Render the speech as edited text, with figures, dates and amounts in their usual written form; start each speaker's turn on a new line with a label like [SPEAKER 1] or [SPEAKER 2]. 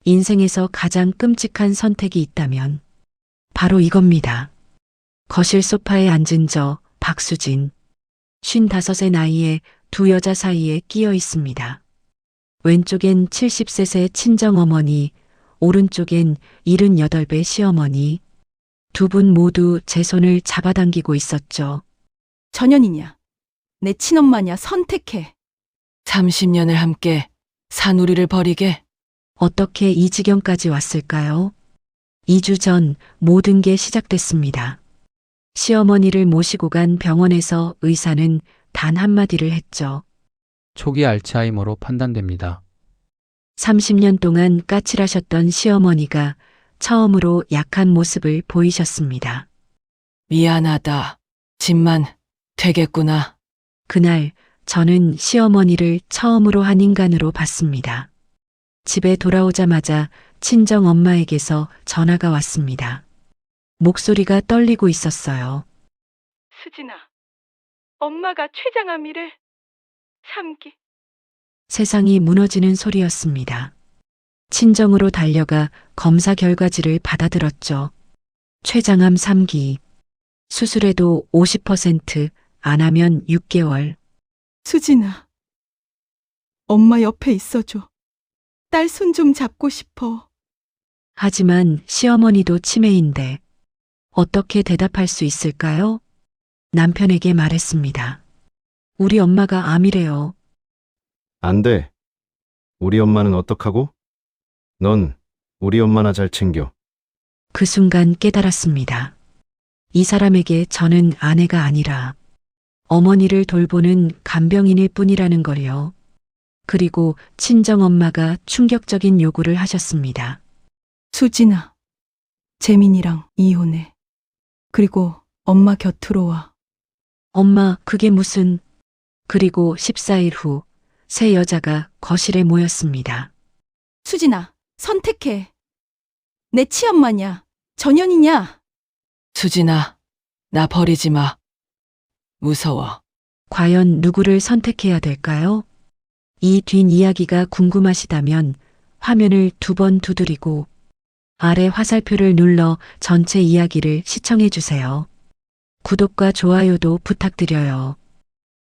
[SPEAKER 1] 인생에서 가장 끔찍한 선택이 있다면 바로 이겁니다. 거실 소파에 앉은 저 박수진. 55의 나이에 두 여자 사이에 끼어 있습니다. 왼쪽엔 70세 친정어머니, 오른쪽엔 78배 시어머니. 두 분 모두 제 손을 잡아당기고 있었죠.
[SPEAKER 2] 전현이냐, 내 친엄마냐 선택해.
[SPEAKER 3] 30년을 함께 산 우리를 버리게.
[SPEAKER 1] 어떻게 이 지경까지 왔을까요? 2주 전 모든 게 시작됐습니다. 시어머니를 모시고 간 병원에서 의사는 단 한마디를 했죠.
[SPEAKER 4] 초기 알츠하이머로 판단됩니다.
[SPEAKER 1] 30년 동안 까칠하셨던 시어머니가 처음으로 약한 모습을 보이셨습니다.
[SPEAKER 3] 미안하다. 집만 되겠구나.
[SPEAKER 1] 그날 저는 시어머니를 처음으로 한 인간으로 봤습니다. 집에 돌아오자마자 친정 엄마에게서 전화가 왔습니다. 목소리가 떨리고 있었어요.
[SPEAKER 2] 수진아, 엄마가 췌장암이래. 3기.
[SPEAKER 1] 세상이 무너지는 소리였습니다. 친정으로 달려가 검사 결과지를 받아들었죠. 췌장암 3기. 수술해도 50%, 안 하면 6개월.
[SPEAKER 2] 수진아, 엄마 옆에 있어줘. 딸 손 좀 잡고 싶어.
[SPEAKER 1] 하지만 시어머니도 치매인데 어떻게 대답할 수 있을까요? 남편에게 말했습니다. 우리 엄마가 암이래요.
[SPEAKER 5] 안 돼. 우리 엄마는 어떡하고? 넌 우리 엄마나 잘 챙겨.
[SPEAKER 1] 그 순간 깨달았습니다. 이 사람에게 저는 아내가 아니라 어머니를 돌보는 간병인일 뿐이라는 걸요. 그리고 친정엄마가 충격적인 요구를 하셨습니다.
[SPEAKER 2] 수진아, 재민이랑 이혼해. 그리고 엄마 곁으로 와.
[SPEAKER 1] 엄마, 그게 무슨... 그리고 14일 후 세 여자가 거실에 모였습니다.
[SPEAKER 2] 수진아, 선택해. 내 치엄마냐, 전현이냐.
[SPEAKER 3] 수진아, 나 버리지 마. 무서워.
[SPEAKER 1] 과연 누구를 선택해야 될까요? 이 뒷이야기가 궁금하시다면 화면을 2번 두드리고 아래 화살표를 눌러 전체 이야기를 시청해 주세요. 구독과 좋아요도 부탁드려요.